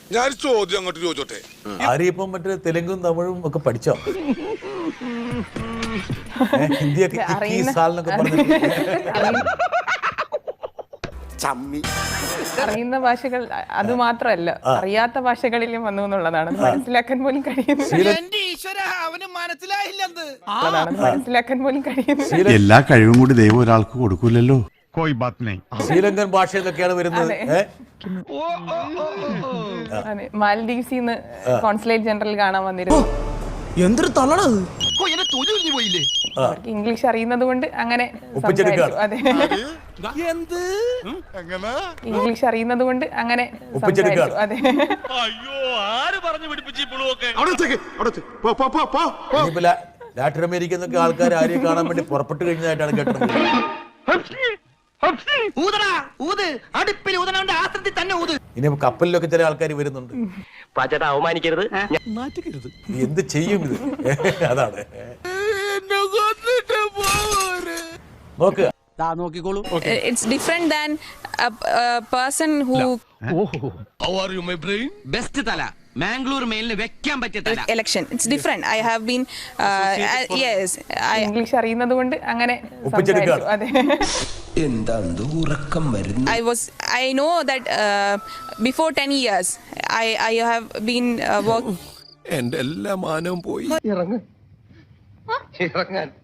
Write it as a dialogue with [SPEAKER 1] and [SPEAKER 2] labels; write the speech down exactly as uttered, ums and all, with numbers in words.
[SPEAKER 1] ഞാൻ ചോദ്യം അങ്ങോട്ട് ചോദിച്ചോട്ടെ.
[SPEAKER 2] ആര്യപ്പം മറ്റേ തെലുങ്കും തമിഴും ഒക്കെ പഠിച്ചോ? ഹിന്ദിയൊക്കെ
[SPEAKER 3] അറിയുന്ന ഭാഷകൾ അത് മാത്രമല്ല, അറിയാത്ത ഭാഷകളിലും വന്നു എന്നുള്ളതാണ് മനസ്സിലാക്കാൻ പോലും കഴിയുന്നത്. മനസ്സിലാക്കാൻ പോലും കഴിയുന്നത്.
[SPEAKER 4] എല്ലാ കഴിവും കൂടി ദൈവം ഒരാൾക്ക് കൊടുക്കൂലല്ലോ.
[SPEAKER 2] ശ്രീലങ്കൻ ഭാഷ എന്നൊക്കെയാണ് വരുന്നത്.
[SPEAKER 3] മാലദ്വീപ്സിന്ന് കോൺസുലേറ്റ് ജനറൽ കാണാൻ വന്നിരുന്നു.
[SPEAKER 5] എന്തൊരു തള്ളണത്,
[SPEAKER 3] ഇംഗ്ലീഷ് അറിയുന്നത് കൊണ്ട് അങ്ങനെ അതെ, ഇംഗ്ലീഷ് അറിയുന്നത് കൊണ്ട് അങ്ങനെ അതെ.
[SPEAKER 2] ലാറ്റിൻ അമേരിക്ക എന്നൊക്കെ ആൾക്കാർ ആരെയും കാണാൻ വേണ്ടി പുറപ്പെട്ടു കഴിഞ്ഞതായിട്ടാണ് കേട്ടത്. ഇനി കപ്പലിലൊക്കെ ചില ആൾക്കാർ വരുന്നുണ്ട്.
[SPEAKER 6] അവമാനിക്കരുത്,
[SPEAKER 2] എന്ത് ചെയ്യും ഇത്? അതാണ് നോക്കുക.
[SPEAKER 7] It's different than a, a person who
[SPEAKER 1] How are you, my brain?
[SPEAKER 6] Best തല മാംഗ്ലൂർ മെയിലിന് വെക്കാൻ പറ്റിയ തല.
[SPEAKER 7] election. It's different. I have been uh, uh, yes. I
[SPEAKER 3] English അറിയുന്നത് കൊണ്ട് അങ്ങനെ അതെ.
[SPEAKER 5] എന്താ ഉറക്കം വരുന്നു.
[SPEAKER 7] I was I know that uh, before ten years I I have been uh, work.
[SPEAKER 1] എന്റെ എല്ലാ മാനവും പോയി.
[SPEAKER 6] ഇറങ്ങ് ഇറങ്ങാൻ